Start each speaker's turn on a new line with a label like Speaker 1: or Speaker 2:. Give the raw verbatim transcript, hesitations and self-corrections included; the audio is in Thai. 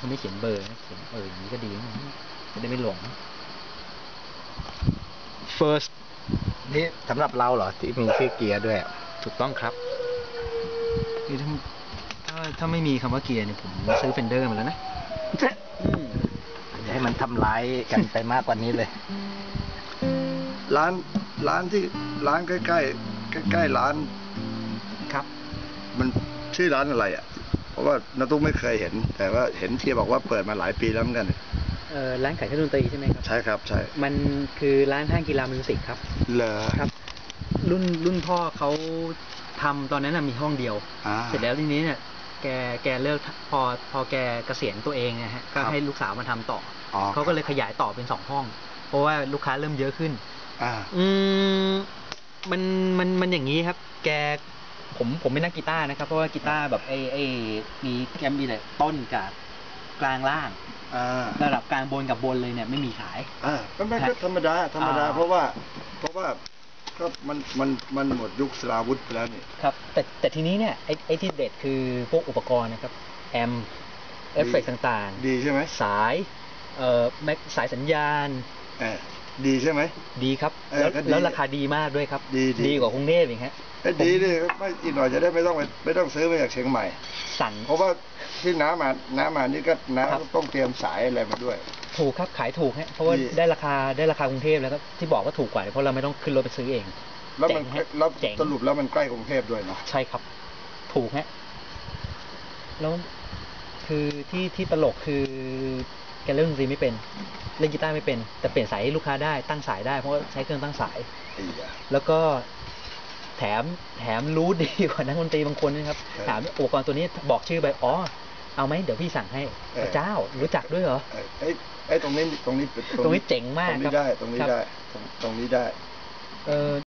Speaker 1: เขาไม่เขียนเบอร์เขียนเอออย่างนี้ก็ดีจะได้ไม่หลง first
Speaker 2: นี่สำหรับเราเหรอที่มีชื่อเกียร์ด้วย
Speaker 1: ถูกต้องครับคือถ้าถ้าถ้าไม่มีคำว่าเกียร์เนี่ยผมซื้อเฟนเดอร์มาแล้วนะ
Speaker 2: อย่าให้มันทำร้ายกันไปมากกว่านี้เลย
Speaker 3: ร้านร้านที่ร้านใกล้ใกล้ใกล้ใกล้ร้าน
Speaker 1: ครับ
Speaker 3: มันชื่อร้านอะไรอ่ะเพราะว่านาตุ๊กไม่เคยเห็นแต่ว่าเห็นเชียร์บอกว่าเปิดมาหลายปีแล้วเหมือนกัน
Speaker 1: เออร้านขายเครื่องดนตรีใช่ไหมครับ
Speaker 3: ใช่ครับใช่
Speaker 1: มันคือร้านห้างกีฬามิวสิกครับ
Speaker 3: เหรอ
Speaker 1: ครับรุ่นรุ่นพ่อเขาทำตอนนั้นมีห้องเดียวเสร็จแล้วทีนี้เนี่ยแกแกเลิกพอพอแกเกษียณตัวเองนะฮะก็ให้ลูกสาวมาทำต่อเขาก็เลยขยายต่อเป็นสองห้องเพราะว่าลูกค้าเริ่มเยอะขึ้นอืมมันมันมันอย่างนี้ครับแกผมผมไม่นักกีตาร์นะครับเพราะว่ากีตาร์แบบไอ้ไอ้มีแกมมีแต่ต้นกับกลางล่างระดับกลางบนกับบนเลยเนี่ยไม่มีขาย
Speaker 3: อ่าก็ไม่ก็ธรรมดาธรรมดาเพราะว่าเพราะว่าก็มันมันมันหมดยุคสลาวุธไปแล้วนี่
Speaker 1: ครับแต่แต่ทีนี้เนี่ยไอ้ไอ้ที่เด็ดคือพวกอุปกรณ์นะครับแอมเอฟเฟกต์ต่าง
Speaker 3: ๆดีใช่ไหม
Speaker 1: สายเอ่อแม็กสายสัญญาณ
Speaker 3: เออดีใช่ไหม
Speaker 1: ดีครับแล้วแล้วราคาดีมากด้วยครับ
Speaker 3: ดี
Speaker 1: ดีกว่ากรุงเทพอีกฮะ
Speaker 3: ดีดิไม่อีกหน่อยจะได้ไม่ต้องไปไม่ต้องซื้อมาจากเชียงใหม่
Speaker 1: สั่ง
Speaker 3: เพราะว่าที่น้ามาน้ามานี่ก็น้าต้องเตรียมสายอะไรมาด้วย
Speaker 1: ถูกครับขายถูกฮะเพราะว่าได้ราคาได้ราคากรุงเทพแล้วก็ที่บอกว่าถูกกว่าเพราะเราไม่ต้องขึ้นรถไปซื้อเอง
Speaker 3: แล้วมันแล้วสรุปแล้วมันใกล้กรุงเทพด้วยเนาะ
Speaker 1: ใช่ครับถูกฮะแล้วคือที่ที่ตลกคือแกเล่นดนตรีไม่เป็นเล่นกีตาร์ไม่เป็นแต่เปลี่ยนสายให้ลูกค้าได้ตั้งสายได้เพราะว่าใช้เครื่องตั้งสายแล้วก็แถมแถมรู้ดีกว่านักดนตรีบางคนนะครับถามอุปกรณ์ตัวนี้บอกชื่อไปอ๋อเอาไหมเดี๋ยวพี่สั่งให้พระเจ้ารู้จักด้วยเหรอ
Speaker 3: ไอ้ไอ้ตรงนี้ตรงนี้
Speaker 1: ตรงนี้เจ๋งมาก
Speaker 3: ตรงนี้ได้ตรงนี้ได้ตรงนี้ได้
Speaker 1: เออ